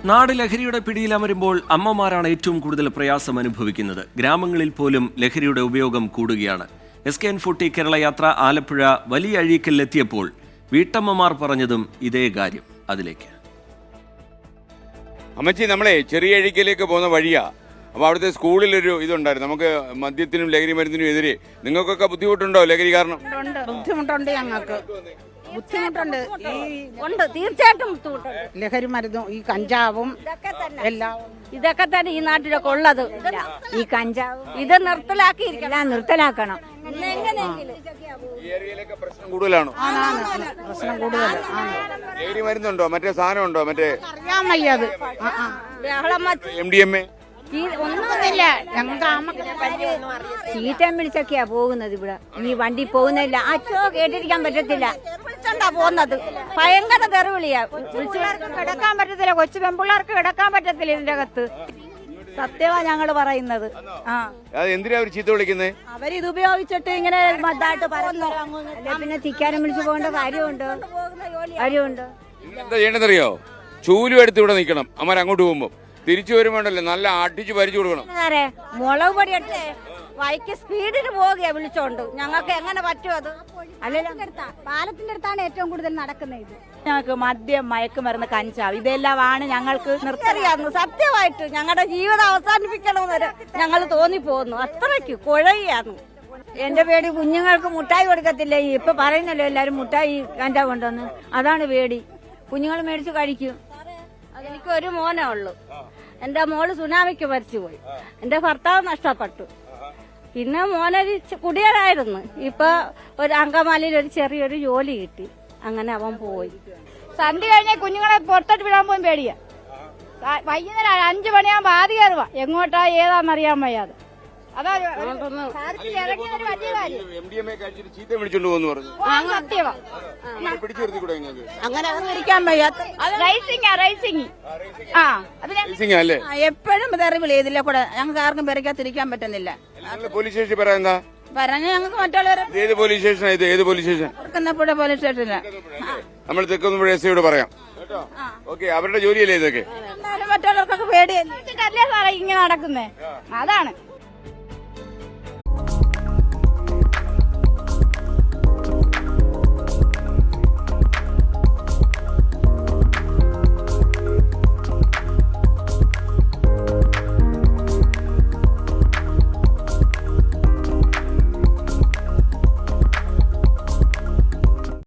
നാട് ലഹരിയുടെ പിടിയിലമരുമ്പോൾ അമ്മമാരാണ് ഏറ്റവും കൂടുതൽ പ്രയാസം അനുഭവിക്കുന്നത്. ഗ്രാമങ്ങളിൽ പോലും ലഹരിയുടെ ഉപയോഗം കൂടുകയാണ്. SKN40 കേരള യാത്ര ആലപ്പുഴ വലിയ അഴീക്കലിലെത്തിയപ്പോൾ വീട്ടമ്മമാർ പറഞ്ഞതും ഇതേ കാര്യം. അതിലേക്ക് അമ്മച്ചി, നമ്മളെ ചെറിയ അഴീക്കലേക്ക് പോകുന്ന വഴിയാ. അപ്പോൾ അവിടുത്തെ സ്കൂളിലൊരു ഇതുണ്ടായിരുന്നു, നമുക്ക് മദ്യത്തിനും ലഹരി മരുന്നിനും എതിരെ. നിങ്ങൾക്കൊക്കെ ബുദ്ധിമുട്ടുണ്ടോ ലഹരി കാരണം? ബുദ്ധിമുട്ടുണ്ട്, ഞങ്ങൾക്ക് ബുദ്ധിമുട്ടുണ്ട്. ഉണ്ട്, തീർച്ചയായിട്ടും ബുദ്ധിമുട്ടുണ്ട്. ലഹരി മരുന്നും ഈ കഞ്ചാവും ഇതൊക്കെ തന്നെ ഈ നാട്ടിലൊക്കെ ഉള്ളത്. ഈ കഞ്ചാവ് ഇത് നിർത്തലാക്കണം. പ്രശ്നം കൂടുതലാണോ? പ്രശ്നം കൂടുതൽ. ലഹരി മരുന്നുണ്ടോ, മറ്റേ സാധനം ഉണ്ടോ, മറ്റേ അറിയാൻ വയ്യത് MDMA ഒന്നുമില്ല. ഞങ്ങൾക്ക് ചീറ്റം വിളിച്ചൊക്കെയാ പോകുന്നത്. ഇവിടെ ഈ വണ്ടി പോകുന്നില്ല, അച്ഛോ കേട്ടിരിക്കാൻ പറ്റത്തില്ല. പോകുന്നത് ഭയങ്കര തെറിവിളിയാ. കിടക്കാൻ പറ്റത്തില്ല, കൊച്ചു പെൺപിള്ളേർക്ക് കിടക്കാൻ പറ്റത്തില്ല ഇതിന്റെ അകത്ത്. സത്യമാ ഞങ്ങൾ പറയുന്നത്. എന്തിനാ അവർ ചീത്ത വിളിക്കുന്നത്? അവരിത് ഉപയോഗിച്ചിട്ട് ഇങ്ങനെ മതായിട്ട് പറയുന്നു. പിന്നെ തിക്കാനും വിളിച്ചു പോകേണ്ട കാര്യമുണ്ട്. എന്താ ചെയ്യണമെന്നറിയോ? ചൂലും എടുത്ത് ഇവിടെ നിൽക്കണം. അമ്മ അങ്ങോട്ട് പോകുമ്പോ തിരിച്ചു വരുമ്പോണ്ടല്ലോ നല്ല അടിച്ച് പരിച്ചു കൊടുക്കണം. മുളക് പൊടി എടുത്ത് വൈക്ക് സ്പീഡിന് പോവുകയാ വിളിച്ചോണ്ട്. ഞങ്ങൾക്ക് എങ്ങനെ പറ്റും അത്? അല്ലെങ്കിൽ പാലത്തിന്റെ അടുത്താണ് ഏറ്റവും കൂടുതൽ നടക്കുന്നത്. ഇത് ഞങ്ങൾക്ക് മദ്യം, മയക്കുമരുന്ന്, കഞ്ചാവ് ഇതെല്ലാമാണ് ഞങ്ങൾക്ക് നിർത്തറിയാവുന്നു. സത്യമായിട്ട് ഞങ്ങളുടെ ജീവിതം അവസാനിപ്പിക്കണമെന്ന് ഞങ്ങൾ തോന്നിപ്പോകുന്നു. അത്രയ്ക്ക് കുഴയാണ്. എന്റെ പേടി കുഞ്ഞുങ്ങൾക്ക് മുട്ടായി കൊടുക്കത്തില്ല. ഇപ്പൊ പറയുന്നല്ലോ എല്ലാരും മുട്ടായി കഞ്ചാവ് കൊണ്ടുവന്ന്. അതാണ് പേടി. കുഞ്ഞുങ്ങൾ മേടിച്ച് കഴിക്കും. എനിക്ക് ഒരു മോനേ ഉള്ളൂ. എന്റെ മോള് സുനാമിക്ക് മരിച്ചുപോയി. എന്റെ ഭർത്താവ് നഷ്ടപ്പെട്ടു. പിന്നെ മോനൊരു കുടിയനായിരുന്നു. ഇപ്പൊ ഒരു അങ്കമാലിയിൽ ഒരു ചെറിയൊരു ജോലി കിട്ടി. അങ്ങനെ അവൻ പോയി. സന്ധ്യ കഴിഞ്ഞാൽ കുഞ്ഞുങ്ങളെ പുറത്തോട്ട് വിടാൻ പോലും പേടിയാ. വൈകുന്നേരം 5 മണിയാകുമ്പോ ആദ്യം കയറുക. എങ്ങോട്ടാ ഏതാന്നറിയാൻ വയ്യാതെ. അങ്ങനെ ഇരിക്കാൻ വയ്യാത്ത എപ്പോഴും തെറിവിളി ഇതിലെ കൂടെ ഞങ്ങൾക്ക് ആർക്കും പെരക്കാതിരിക്കാൻ പറ്റുന്നില്ല. പോലീസ് സ്റ്റേഷൻ പറയാ പറഞ്ഞ് ഞങ്ങൾക്ക് മറ്റുള്ളവരെ ഏത് പോലീസ് സ്റ്റേഷൻ? ഏത് പോലീസ് സ്റ്റേഷൻ? പോലീസ് സ്റ്റേഷനില്ല. നമ്മൾ തെക്കുന്നുമ്പോ SIയോട് പറയാം. ഓക്കെ, അവരുടെ ജോലിയല്ലേ ഇതൊക്കെ? മറ്റുള്ളവർക്കൊക്കെ പേടിയല്ലേ സാറേ ഇങ്ങനെ നടക്കുന്നേ. അതാണ്